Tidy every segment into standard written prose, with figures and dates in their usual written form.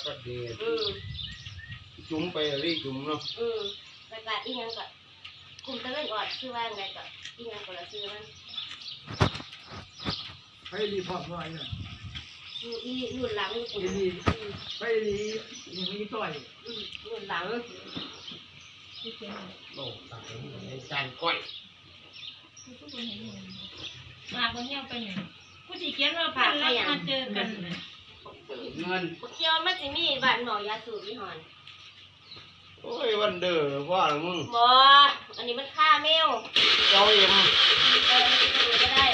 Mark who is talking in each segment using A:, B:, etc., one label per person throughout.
A: ก็เด็ดจุ้มไปรีจุ้มเนาะ
B: ประกาศอีกอย่างก็กลุ่มตะเวนออดชื่อว่าไงก็อีกอย่างก็ละชื่อมัน
C: ไปรีพอร์ตหน่อยเนี่ย
B: รุ่นหลัง
C: ไปรียังมีต่อย
B: รุ่นหลัง
A: โลกต่างในจานก้อย
D: มาคนเที่ยวไปเนี่ยผู้ที่เขียนว่าผ่านแล้วมาเจอกัน
A: เงิน
B: เที่ยวมันจะมีบ้านหมอยาสูบยี่ห้อ
A: โอ้ยวันเด้อว่าหรือมึง
B: บ่อันนี้มันค่าแมว
A: เจ้าเอ็ม
B: ก็ได้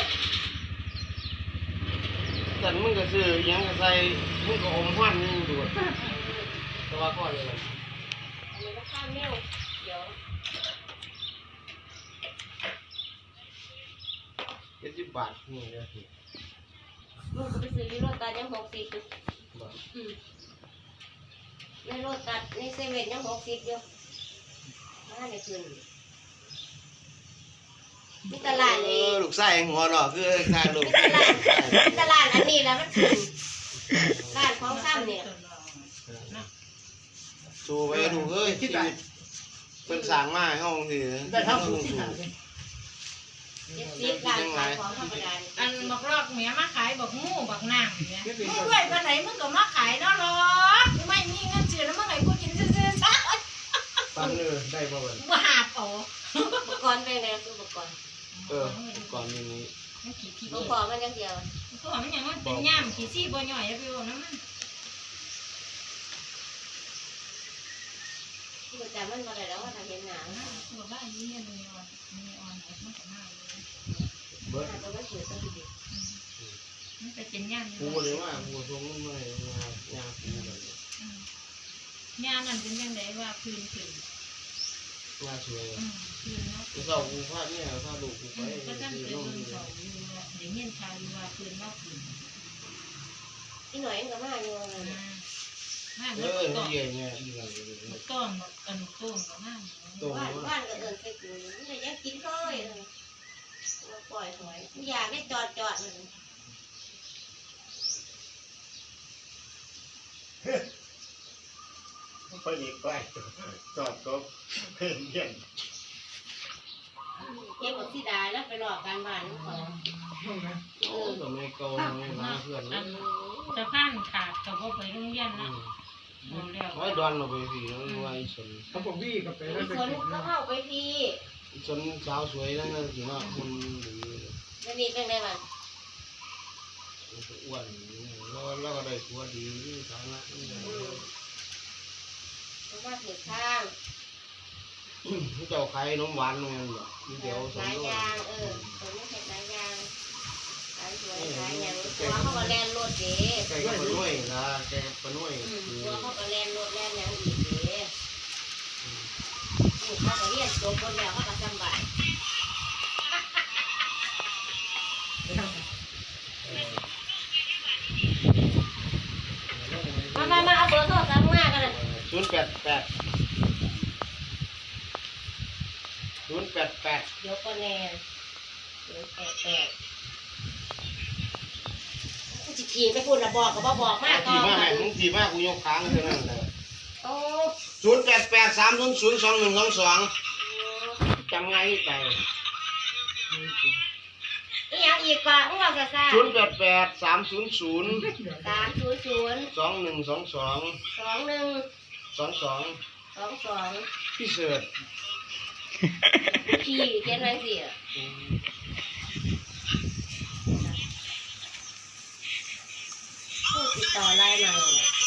A: แต่มึงก็ซื้อยังก็ใส่มึงก็อมควันนี่ดูแต่ว่าก็เลย
B: อันนี้มันค่าแมวเดี๋ยว
A: 70 บาทนี่เด้อสิ
B: มึงก็ไปซื้อที่โรตัสยัง60ในโรตัสในเซเว่นยัง60อยู่มาในคืนมีตลาดเลย
A: ลูกไส้หัวเนาะคือทางลูก
B: ตลาดอันนี้แล้วมันคือร้านของซ้ำเนี่ย
A: ชูไปดูเอ้ยชีวิตเป็นสร้างมาให้เฮาสิ
C: ได้ทั้งสูงที่หา
B: ร้านขายของธรรมดา
D: อันบอกลอกเมียมาขายบอกงูบอกนางเนี่ยมึงด้วยวันไหนมึงก็มาขายเนาะหรอไม่มีเงินซื้อแล้วเมื่อไหร่กูกินซื้อซะ
A: ปันได้บ่บัด
D: ว่าหาโต
B: อุปกรณ์เป็นไงอุปกรณ์
A: ก่อนนี้
B: อุปกรณ์มันยังเดียว
D: ก็มันยังมันเป็นย่ามขี้ซี่บ่ย่อยไปบ่น้ำมัน
B: แต่มันมาได้แล้วว่าทำเห็นหนัง
D: ตัวบ้านนี้มีออนมันก็น่าเลย
A: เบิด
B: ตัวมันเกิดต้องดี
D: มันจะเป็นย่าม
A: กูเลยว่ากูทรงมันไม่ยากูเลย
D: ย่ามนั่นเป็นยังไงว่าคืน
A: ยาสวย
D: คืนเนาะ
A: กูเศร้ากูพลาดเนี่ยพลาดลูกกูไป
D: ก็ตั้งใจเบิ่งเขาอยู่เดี๋ยวเงี้ยชาอยู่ว่าคืนว่าคืน
B: อีหน่อยก็มาอยู่
A: เยี่ยเนี่ยอีหลัง
D: เลยต้นอันต้นก็มา
B: บ้านก็เดินไปกูนี่ยังกินก้อยปล่อยหอยอยากได้จอดเลย
A: ไปอีกไปจอดก็เพ่งเยี่ยม
B: เก็บหมดที่ได้แล้วไปหลอกการบ้านนี่ของ
A: ก็ไม่โกงไม่มาเพื่อน
D: จะข้ามขาดกับว่าไปโรงเรียนนะ
A: ไว้ดอนเราไปพี่ไว้สน
C: เขาบอกวิ่งกับไปแล้วไป
B: กินเขาเข้าไปพี่
A: สนสาวสวยนั่นก็ถือว่าคน
B: จะมีเป็นไงบ้าง
A: อ้วนแล้วก็ได้ตัวดีฐานะ
B: ว่าถือข้าง
A: เจ้าไข่นมหวานนู่นเหรอเดี๋ยว
B: หลายอย่างตัวนี้เห็ดหลายอย่างหลายสวยหลายอย่างตัวเขาก็แลนรถเด้
A: แกก็ปนุ่ยนะแกปนุ่ย
B: ตัวเขาก็แลนรถแลนอย่างอีกเด้เขาก็เรียนจบคนแล้วเขาก็จำบายมาเอาเบอร์โทรศัพท์มากันเลย
A: 088
B: เดี๋ยวก็แน่088กูจะขี่ไปพูดระบอกกับบอกมาก
A: ก่อนมึงขี่มากกูยกค้างเท่านั้นเลย088-300-2122จำง่ายที่ใจ
B: อีกอย่างอีกกว่ามึงเอาซะซ่า
A: 088-300-2122พี่เสิร์ช
B: ขี่เขียนไว้สิผู้ติดต่อไลน์มาเลย